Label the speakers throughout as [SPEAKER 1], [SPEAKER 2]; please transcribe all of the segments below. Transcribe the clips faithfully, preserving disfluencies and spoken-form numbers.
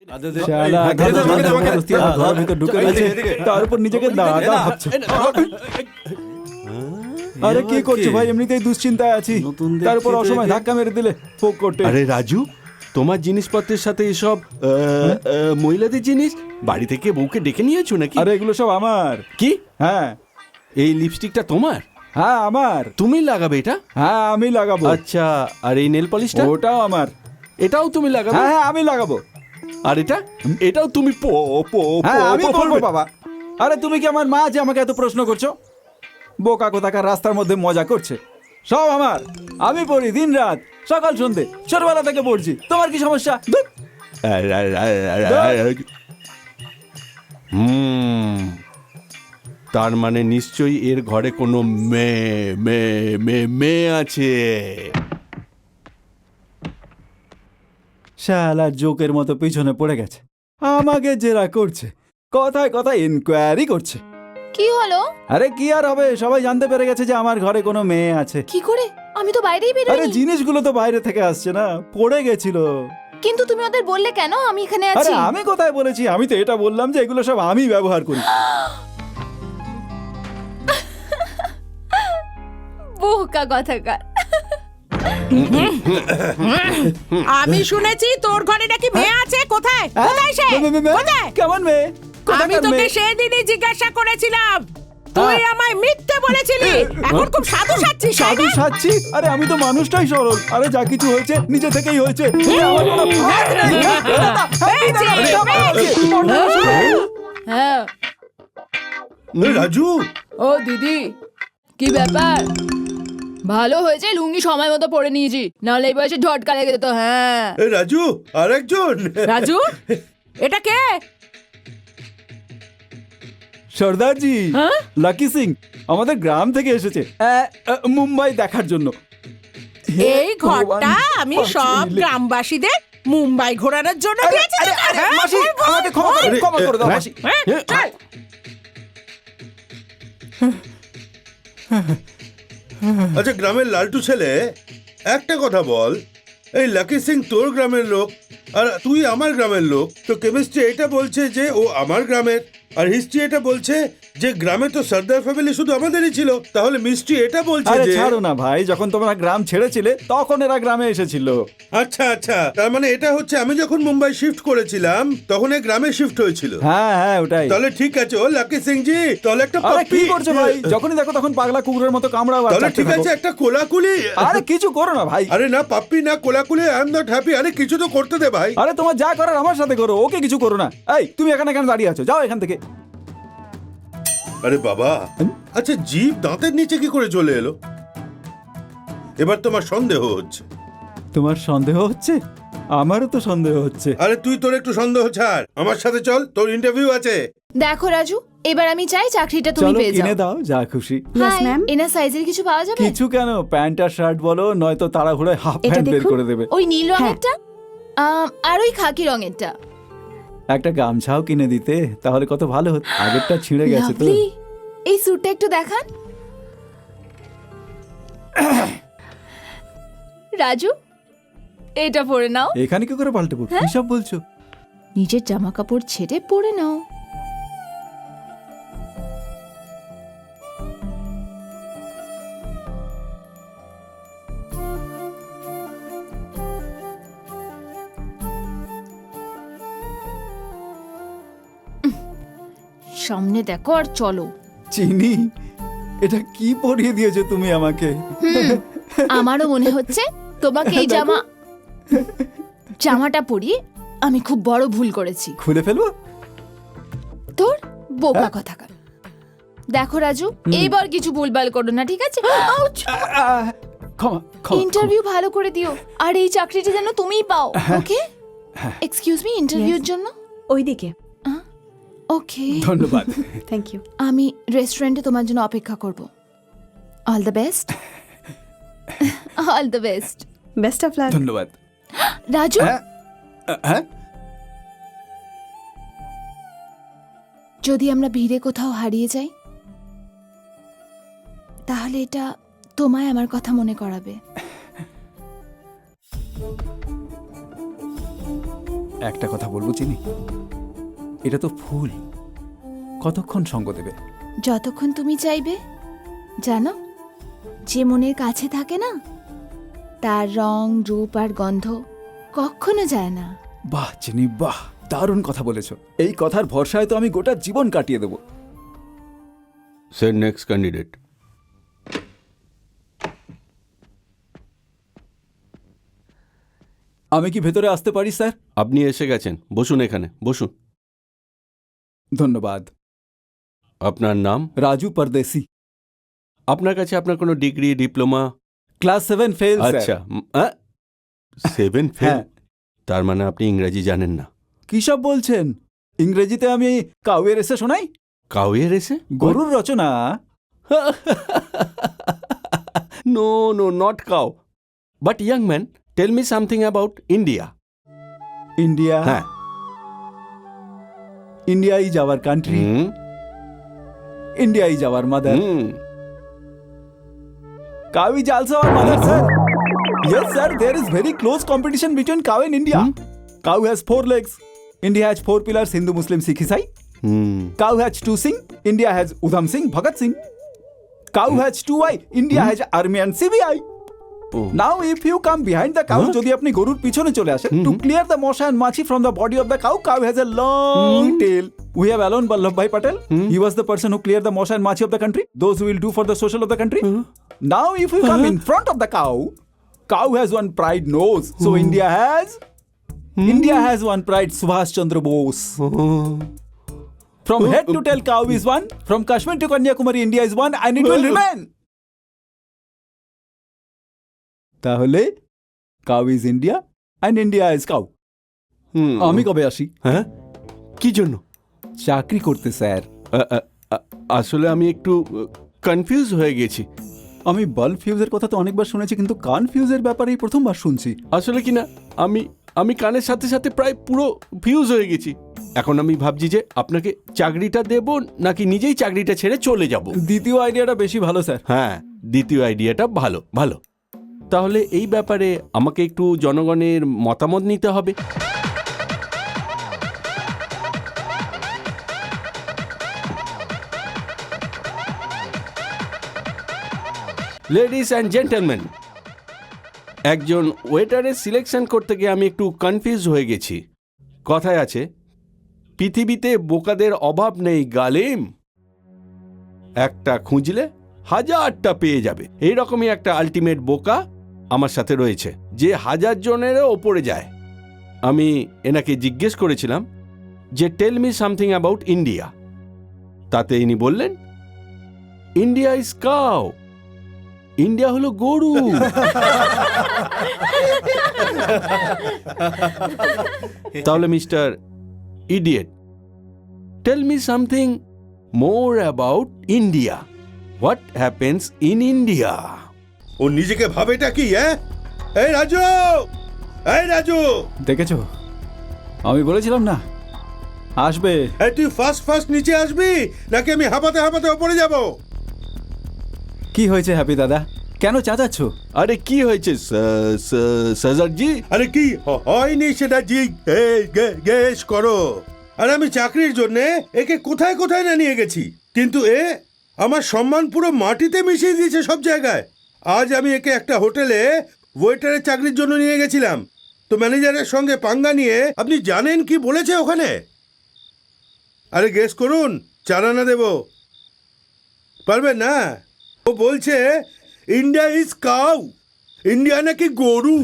[SPEAKER 1] তার উপর নিজেকে দাদা ভাবছে। আরে কি করছো ভাই? এমনিতেই দুশ্চিন্তায় আছি, তার উপর অসময় ধাক্কা মেরে দিলে ফোক করতে।
[SPEAKER 2] আরে রাজু, তোমার জিনিসপত্রের সাথে এসব মহিলাদের জিনিস বাড়ি থেকে বউকে ডেকে নিয়েছো নাকি?
[SPEAKER 1] আরে এগুলো সব আমার।
[SPEAKER 2] কি?
[SPEAKER 1] হ্যাঁ।
[SPEAKER 2] এই লিপস্টিকটা তোমার?
[SPEAKER 1] হ্যাঁ আমার।
[SPEAKER 2] তুমি লাগাবে এটা?
[SPEAKER 1] হ্যাঁ আমি লাগাবো।
[SPEAKER 2] আচ্ছা, আর এই নেল পলিশটা?
[SPEAKER 1] ওটাও আমার।
[SPEAKER 2] এটাও তুমি লাগাবে?
[SPEAKER 1] হ্যাঁ আমি লাগাবো।
[SPEAKER 2] আর এটা? এটাও তুমি পো পো
[SPEAKER 1] হ্যাঁ আমি করবো বাবা। আরে তুমি কি আমার মা যে আমাকে এত প্রশ্ন করছো? বোকা কোথাকার রাস্তার মধ্যে মজা করছে। সব আমার, আমি পড়ি দিন রাত, সকাল সন্ধে, ছোটবেলা থেকে পড়ছি। তোমার কি সমস্যা?
[SPEAKER 2] হুম, তার মানে নিশ্চয়ই এর ঘরে কোনো মেয়ে মেয়ে মেয়ে মেয়ে আছে।
[SPEAKER 1] শালা জোকের মতো পিছনে পড়ে গেছে, আমাকে জেরা করছে, কথায় কথায় ইনকোয়ারি করছে।
[SPEAKER 3] কি হলো?
[SPEAKER 1] আরে কি আর হবে, সবাই জানতে পেরে গেছে যে আমার ঘরে কোনো মেয়ে আছে।
[SPEAKER 3] কি করে? আমি তো বাইরেই বেরোইনি।
[SPEAKER 1] আরে জিনিসগুলো তো বাইরে থেকে আসছে না, পড়ে গেছিল।
[SPEAKER 3] কিন্তু তুমি ওদের বললে কেন আমি এখানে
[SPEAKER 1] আরে
[SPEAKER 3] আছি?
[SPEAKER 1] আমি কোথায় বলেছি? আমি তো এটা বললাম যে এগুলো সব আমি ব্যবহার করি।
[SPEAKER 3] বোকা কথাকার।
[SPEAKER 4] আমি শুনেছি তোর ঘরে নাকি মেয়ে আছে। কোথায় কোথায় সে? কোথায়?
[SPEAKER 1] কেমন মেয়ে?
[SPEAKER 4] আমি তোকে সেদিনই জিজ্ঞাসা করেছিলাম, তুই আমায় মিথ্যে বলেছিলি। এখন খুব সাধু সাচ্ছিস।
[SPEAKER 1] সাধু সাচ্ছি? আরে আমি তো মানুষটাই সরল। আরে যা কিছু হয়েছে নিজে থেকেই হয়েছে।
[SPEAKER 3] হ্যাঁ।
[SPEAKER 2] রাজু,
[SPEAKER 3] ও দিদি, কি ব্যাপার? ভালো হয়েছে লুঙ্গি সময় মতো পরে নিয়েছি, নাহলে এই বয়সে ঝটকা লেগে যেত। হ্যাঁ
[SPEAKER 2] রাজু আরেকজন।
[SPEAKER 4] রাজু, এটা কে?
[SPEAKER 1] সর্দারজি, লাকি সিং আমাদের গ্রাম থেকে এসেছে মুম্বাই দেখার জন্য।
[SPEAKER 4] এই ঘরটা আমি সব গ্রামবাসীদের মুম্বাই ঘোরানোর জন্য দিয়েছি।
[SPEAKER 1] মাসি আমাকে ক্ষমা করে ক্ষমা করে দাও মাসি।
[SPEAKER 5] আচ্ছা গ্রামের লালটু ছেলে, একটা কথা বল, এই লাকি সিং তোর গ্রামের লোক আর তুই আমার গ্রামের লোক, তো কেমিস্ট্রি এটা বলছে যে ও আমার গ্রামের, আর হিস্ট্রি এটা বলছে যে গ্রামে তো সর্দার ফ্যামিলি শুধু আমাদেরই ছিল, তাহলে মিস্ট্রি এটা বলছে
[SPEAKER 1] আরে
[SPEAKER 5] যে
[SPEAKER 1] ছাড়ো না ভাই, যখন তোমরা গ্রাম ছেড়েছিলে তখন এরা গ্রামে এসেছিল।
[SPEAKER 5] আচ্ছা আচ্ছা, তার মানে এটা হচ্ছে আমি যখন মুম্বাই শিফট করেছিলাম তখন এই গ্রামে শিফট হয়েছিল।
[SPEAKER 1] হ্যাঁ হ্যাঁ ওটাই।
[SPEAKER 5] তাহলে ঠিক আছে, ও লাকি সিং জি তাহলে একটা
[SPEAKER 1] আরে কি
[SPEAKER 5] পাপ্পি
[SPEAKER 1] করছো ভাই? যখনই দেখো তখন পাগলা কুকুরের মতো কামড়াও।
[SPEAKER 5] তাহলে ঠিক আছে, একটা কোলাকুলি।
[SPEAKER 1] আরে কিছু করো না ভাই।
[SPEAKER 5] আরে না পাপ্পি না কোলাকুলি, আই এম নট হ্যাপি। আরে কিছু তো করতে দে ভাই।
[SPEAKER 1] আরে তোমার যা করার আমার সাথে করো, ওকে কিছু করো না। এই তুমি এখানে কেন দাঁড়িয়ে আছো? যাও এখান থেকে।
[SPEAKER 5] আরে বাবা, আচ্ছা জীব দাঁতের নিচে কি করে চলে এলো? এবার তোমার সন্দেহ হচ্ছে।
[SPEAKER 1] তোমার সন্দেহ হচ্ছে? আমারও তো সন্দেহ হচ্ছে।
[SPEAKER 5] আরে তুই তোর একটু সন্দেহ ছাড়, আমার সাথে চল, তোর ইন্টারভিউ আছে।
[SPEAKER 3] দেখো রাজু, এবার আমি চাই চাকরিটা তুমি
[SPEAKER 1] চলো
[SPEAKER 3] পেয়ে যাও।
[SPEAKER 1] কিনে দাও যা খুশি।
[SPEAKER 3] হাই ম্যাম, এনা সাইজের কিছু পাওয়া যাবে?
[SPEAKER 1] কিছু কেন, প্যান্ট আর শার্ট বলো, নয়তো তাড়াহুড়োয় হাফ প্যান্ট বের করে দেবে।
[SPEAKER 3] ওই নীল রঙেরটা আর ওই খাকি রঙেরটা।
[SPEAKER 1] একটা গামছাও কিনে দিতে তাহলে কত ভালো হতো, আগেরটা ছিঁড়ে গেছে তো।
[SPEAKER 3] Lovely. এই স্যুটটা একটু দেখান। রাজু, এটা পরে নাও।
[SPEAKER 1] এখানে কি করে পাল্টাবো? কি সব বলছো?
[SPEAKER 3] নিজের জামা কাপড় ছেড়ে পরে নাও। সামনে দেখো আর চলো।
[SPEAKER 1] চিনি, এটা কি পরিয়ে দিয়েছো তুমি আমাকে?
[SPEAKER 3] আমারও মনে হচ্ছে তোমাকে এই জামা জামাটা পরিয়ে আমি খুব বড় ভুল করেছি।
[SPEAKER 1] খুলে ফেলবো?
[SPEAKER 3] তোর বোকা কথাকার। দেখো রাজু, এইবার কিছু ভুলভাল করো না, ঠিক আছে? ইন্টারভিউ ভালো করে দিও, আর এই চাকরিটা যেন তুমিই পাও। ওকে? এক্সকিউজ মি, ইন্টারভিউর জন্য
[SPEAKER 6] ওইদিকে।
[SPEAKER 3] ওকে,
[SPEAKER 1] ধন্যবাদ।
[SPEAKER 6] Thank you.
[SPEAKER 3] আমি রেস্টুরেন্টে তোমার জন্য অপেক্ষা করব। All the best. All the best.
[SPEAKER 6] Best of luck.
[SPEAKER 1] ধন্যবাদ।
[SPEAKER 3] রাজু,
[SPEAKER 1] হ্যাঁ,
[SPEAKER 3] যদি আমরা ভিড়ে কোথাও হারিয়ে যাই তাহলে এটা তোমায় আমার কথা মনে করাবে।
[SPEAKER 1] একটা কথা বলবো চিনি, এটা তো ফুল, কতক্ষণ সঙ্গ দেবে?
[SPEAKER 3] যতক্ষণ তুমি চাইবে। জানো, যে মনের কাছে থাকে না, তার রং রূপ আর গন্ধ কখনো যায় না।
[SPEAKER 1] বাহ চিনি বাহ, দারুণ কথা বলেছো। এই কথার ভরসায় তো আমি গোটা জীবন কাটিয়ে দেবো।
[SPEAKER 2] Sir, next candidate.
[SPEAKER 1] আমি কি ভেতরে আসতে পারি স্যার?
[SPEAKER 2] আপনি এসে গেছেন, বসুন এখানে, বসুন।
[SPEAKER 1] ধন্যবাদ।
[SPEAKER 2] আপনার নাম?
[SPEAKER 1] রাজু পরদেশি।
[SPEAKER 2] আপনার কাছে আপনার কোনো degree, diploma?
[SPEAKER 1] Class seven fail.
[SPEAKER 2] আচ্ছা, সেভেন ফেল?
[SPEAKER 1] হ্যাঁ।
[SPEAKER 2] তার মানে আপনি ইংরেজি জানেন না?
[SPEAKER 1] কি সব বলছেন? ইংরেজিতে আমি কাউয়ের এসে শোনাই।
[SPEAKER 2] কাউয়ের এসে?
[SPEAKER 1] গরুর রচনা।
[SPEAKER 2] No no, not cow. But young man, tell me something about India.
[SPEAKER 1] India?
[SPEAKER 2] হ্যাঁ।
[SPEAKER 1] India is our country.
[SPEAKER 2] Hmm
[SPEAKER 1] India is our mother.
[SPEAKER 2] Hmm
[SPEAKER 1] Cow is also our mother, sir. Yes, sir. There is very close competition between cow and India.
[SPEAKER 2] Hmm?
[SPEAKER 1] Cow has four legs. India has four pillars: Hindu, Muslim, Sikh, Isai.
[SPEAKER 2] Hmm
[SPEAKER 1] Cow has two Singh. India has Udham Singh, Bhagat Singh. Cow has two eye. India has Army and C B I.
[SPEAKER 2] Oh.
[SPEAKER 1] Now, if you come behind the cow,
[SPEAKER 2] Huh?
[SPEAKER 1] যদি আপনি গরুর পিছনে চলে আসেন, to clear the mosha and machi from the body of the cow, cow has a long tail. We have Alon Vallabhbhai Patel. He was the person who cleared the mosha and machi of the country. Those who will do for the social of the country. Now, if you come in front of the cow, cow has one pride nose. So India has India has one pride, Subhash Chandra Bose. From head to tail, cow is one. From Kashmir to Kanyakumari, India is one, and it will remain. তাহলে cow is India and India is cow.
[SPEAKER 2] Hmm
[SPEAKER 1] আমি কবে আসি?
[SPEAKER 2] হ্যাঁ, কি জন্য?
[SPEAKER 1] চাকরি করতে sir.
[SPEAKER 2] আ- আ- আ- আসলে আমি একটু কনফিউজ হয়ে গেছি।
[SPEAKER 1] আমি বাল্ব ফিউজের কথা তো অনেকবার শুনেছি, কিন্তু কনফিউজের ব্যাপারেই প্রথমবার শুনছি।
[SPEAKER 2] আসলে কি না, আমি আমি কানের সাথে সাথে প্রায় পুরো ফিউজ হয়ে গেছি। এখন আমি ভাবছি যে আপনাকে চাকরিটা দেব নাকি নিজেই চাকরিটা ছেড়ে চলে যাব।
[SPEAKER 1] দ্বিতীয় আইডিয়াটা বেশি ভালো স্যার।
[SPEAKER 2] হ্যাঁ, দ্বিতীয় আইডিয়াটা ভালো ভালো। তাহলে এই ব্যাপারে আমাকে একটু জনগণের মতামত নিতে হবে। লেডিস অ্যান্ড জেন্টলম্যান, একজন ওয়েটারের সিলেকশন করতে গিয়ে আমি একটু কনফিউজ হয়ে গেছি। কথায় আছে, পৃথিবীতে বোকাদের অভাব নেই গালিম, একটা খুঁজলে হাজারটা পেয়ে যাবে। এইরকমই একটা আলটিমেট বোকা আমার সাথে রয়েছে, যে হাজার জনেরও ওপরে যায়। আমি এনাকে জিজ্ঞেস করেছিলাম যে tell me something about India. তাতে ইনি বললেন, ইন্ডিয়া ইজ কাউ, ইন্ডিয়া হলো গরু। তাহলে mister idiot, tell me something more about India. What happens in India?
[SPEAKER 5] ও নিজেকে ভাবেটা কি? হ্যাঁ, এই রাজু, এই রাজু,
[SPEAKER 1] দেখেছো, আমি বলেছিলাম না আসবে।
[SPEAKER 5] এই তুই ফার্স্ট ফার্স্ট নিচে আসবি নাকি আমি হাঁপাতে হাঁপাতে ওপরে যাব?
[SPEAKER 1] কি হয়েছে হ্যাপি দাদা, কেন চাচাচ্ছ?
[SPEAKER 2] আরে কি হয়েছে সাজারজি?
[SPEAKER 5] আরে কি হ- হয়নি সেটা জিজ্ঞেস করো। আর আমি চাকরির জন্য একে কোথায় কোথায় না নিয়ে গেছি, কিন্তু এ আমার সম্মান পুরো মাটিতে মিশিয়ে দিয়েছে সব জায়গায়। আজ আমি একে একটা হোটেলে ওয়েটারের চাকরির জন্য নিয়ে গেছিলাম, তো ম্যানেজারের সঙ্গে পাঙ্গা নিয়ে আপনি জানেন কি বলেছে ওখানে? আরে গেস করুন, চার আনা দেব, পারবেন না? ও বলছে ইন্ডিয়া ইজ কাউ, ইন্ডিয়া নাকি গরু।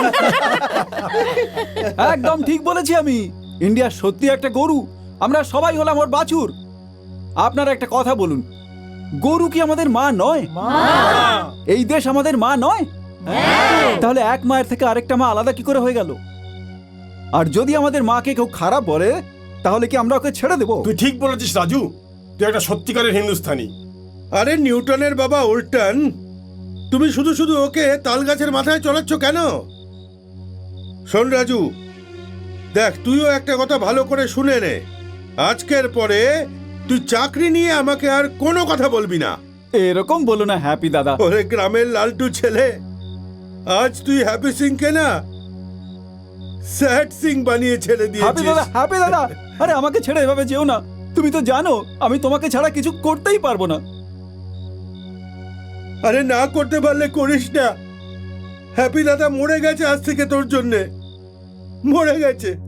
[SPEAKER 1] একদম ঠিক বলেছি আমি, ইন্ডিয়া সত্যি একটা গরু, আমরা সবাই হলাম ওর বাছুর। আপনারা একটা কথা বলুন, গরু কি আমাদের মা নয়? এই দেশ আমাদের মা নয়? তাহলে এক মায়ের থেকে আরেকটা মা আলাদা কি করে হয়ে গেল? আর যদি আমাদের মাকে কেউ খারাপ বলে, তাহলে কি আমরা ওকে ছেড়ে দেবো?
[SPEAKER 7] তুই ঠিক বলেছিস রাজু, তুই একটা সত্যিকারের হিন্দুস্তানি।
[SPEAKER 5] আরে নিউটনের বাবা উল্টন, তুমি শুধু শুধু ওকে তাল গাছের মাথায় চড়াচ্ছ কেন? শোন রাজু, দেখ তুইও একটা কথা ভালো করে শুনে নে, আজকের পরে তুই চাকরি নিয়ে আমাকে আর কোনো কথা বলবি না।
[SPEAKER 1] এরকম বলো না হ্যাপি দাদা।
[SPEAKER 5] ওরে গ্রামের লালটু ছেলে, আজ তুই হ্যাপি সিংকে না স্যাড সিং বানিয়ে ছেড়ে
[SPEAKER 1] হ্যাপি
[SPEAKER 5] দিয়েছিস।
[SPEAKER 1] দাদা, হ্যাপি দাদা, আরে আমাকে ছেড়ে এভাবে যেও না। তুমি তো জানো আমি তোমাকে ছাড়া কিছু করতেই পারবো না।
[SPEAKER 5] আরে না করতে পারলে করিস না। হ্যাপি দাদা মরে গেছে আজ থেকে তোর জন্যে, মরে গেছে।